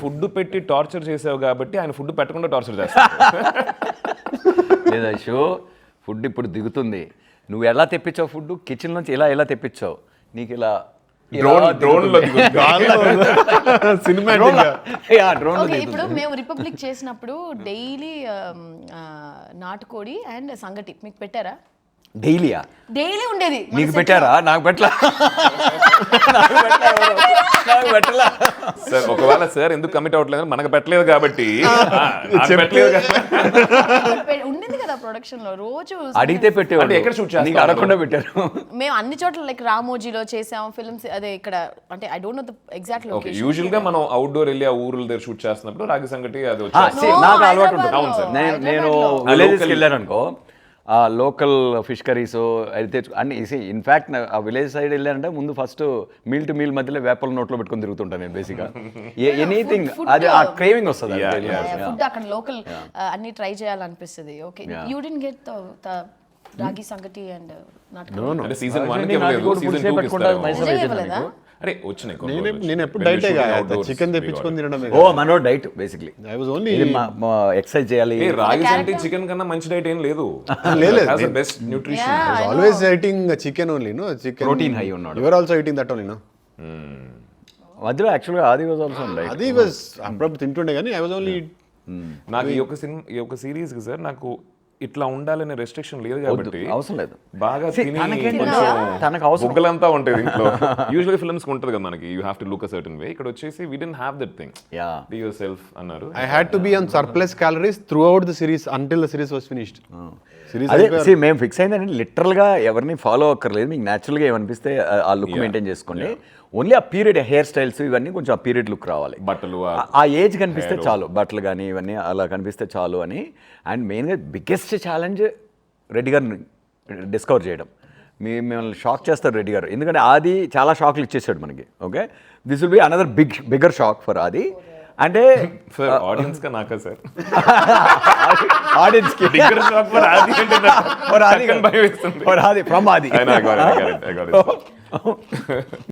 Food పెట్టి torture చేసావు కాబట్టి ఆయన ఫుడ్ పెట్టకుండా టార్చర్ చేస్తాడు. లేదా షో ఫుడ్ ఇప్పుడు దిగుతుంది, నువ్వు ఎలా తెప్పించావు ఫుడ్, కిచెన్ నుంచి ఎలా తెప్పించావు, నీకు ఇలా ఇప్పుడు మేము రిపబ్లిక్ చేసినప్పుడు డైలీ నాటుకోడి అండ్ సంగటి మీకు పెట్టారా? డైలీయా? డైలీ ఉండేది. నీకు పెట్టారా? నాకు పెట్టలా. సార్ ఒకవేళ సార్ ఎందుకు కమిట్ అవ్వట్లేదు, మనకు పెట్టలేదు కాబట్టి ఉండేది కదా ప్రొడక్షన్ లో. రోజు అడిగితే పెట్టేవాళ్ళు, ఎక్కడ షూట్ చేస్తారు? నీకు అడగకుండా పెట్టారు. మేము అన్ని చోట్ల లైక్ రామోజీలో చేసాం ఫిల్మ్స్. అదే ఇక్కడ అంటే I don't know the exact location. Usual గా మనం అవుట్డోర్ వెళ్ళి ఆ ఊర్ల దగ్గర షూట్ చేస్తున్నప్పుడు రాగి సంగటి అది నాకు అలవాటు ఉంటుంది. అవును సార్. నేను విలేజెస్కి వెళ్ళాను అనుకో, ఆ లోకల్ ఫిష్ కర్రీస్ అయితే అన్ని ఇన్ఫ్యాక్ట్ ఆ విలేజ్ సైడ్ వెళ్ళానంటే ముందు ఫస్ట్ మీల్ టు మీల్ మధ్యలో వేపల నోట్లో పెట్టుకొని తిరుగుతుంటాను నేను బేసిక్గా. ఎనీథింగ్ అది ఆ క్రేవింగ్ వస్తుంది. ఫుడ్ అక్కడ లోకల్ అన్ని ట్రై చేయాలనిపిస్తుంది. Okay, you didn't get the ragi sangati and నాటుకోడి. సీజన్ 1 కి ఇవ్వలేదు, సీజన్ 2 కి ఇస్తారు. అరే వచ్చినాయి. నేను ఎప్పుడు డైటే కాదు, చికెన్ తెప్పించుకొని తినడమే. ఓ మనో diet basically. I was only exercise చేయాలి. రాగి సంగటి చికెన్ కన్నా మంచి డైట్ ఏం లేదు. Best nutrition. Always eating chicken only, no chicken protein high ఉన్నాడు. You are also eating that only, no? మధ్యలో యాక్చువల్గా ఆది వాజ్ ఆల్సో డైట్. అది వాజ్ అప్పుడప్పుడు తింటుండే కానీ ఐ వాజ్ ఓన్లీ. నాకు ఈ ఒక సిరీస్ కి సార్ నాకు ఇట్లా ఉండాలనే రెస్ట్రిక్షన్ లేదు కాబట్టి అవసరం లేదు. బాగా తనకు అవసరం బుగ్గలంతా ఉంటుంది ఇంట్లో. యూజువల్ ఫిల్మ్స్ ఉంటుంది కదా మనకి, you have to look a certain way. ఇక్కడ వచ్చేసి we didn't have that thing. Be yourself అన్నారు. I had to be on surplus calories throughout the series until the series was finished. అదే మేము fix అయిందంటే లిటరల్గా ఎవరిని follow అక్కర్లేదు, మీకు న్యాచురల్గా ఏమనిపిస్తే ఆ లుక్ మెయింటైన్ చేసుకోండి. ఓన్లీ ఆ పీరియడ్ హెయిర్ స్టైల్స్ ఇవన్నీ కొంచెం ఆ పీరియడ్ లుక్ రావాలి, బట్టలు ఆ ఏజ్ కనిపిస్తే చాలు, బట్టలు కానీ ఇవన్నీ అలా కనిపిస్తే చాలు అని. అండ్ మెయిన్గా బిగ్గెస్ట్ ఛాలెంజ్ రెడ్డి గారిని డిస్కవర్ చేయడం. మిమ్మల్ని షాక్ చేస్తారు రెడ్డి గారు, ఎందుకంటే ఆది చాలా షాక్లు ఇచ్చేసాడు మనకి. Okay, this will be another bigger shock for Aadi. అంటే ఆడియన్స్ కా నాకా సార్? ఆడియన్స్ కి బిగ్గర్ షాక్ ఫర్ ఆది అంటే ఫర్ ఆది ఫ్రమ్ ఆది.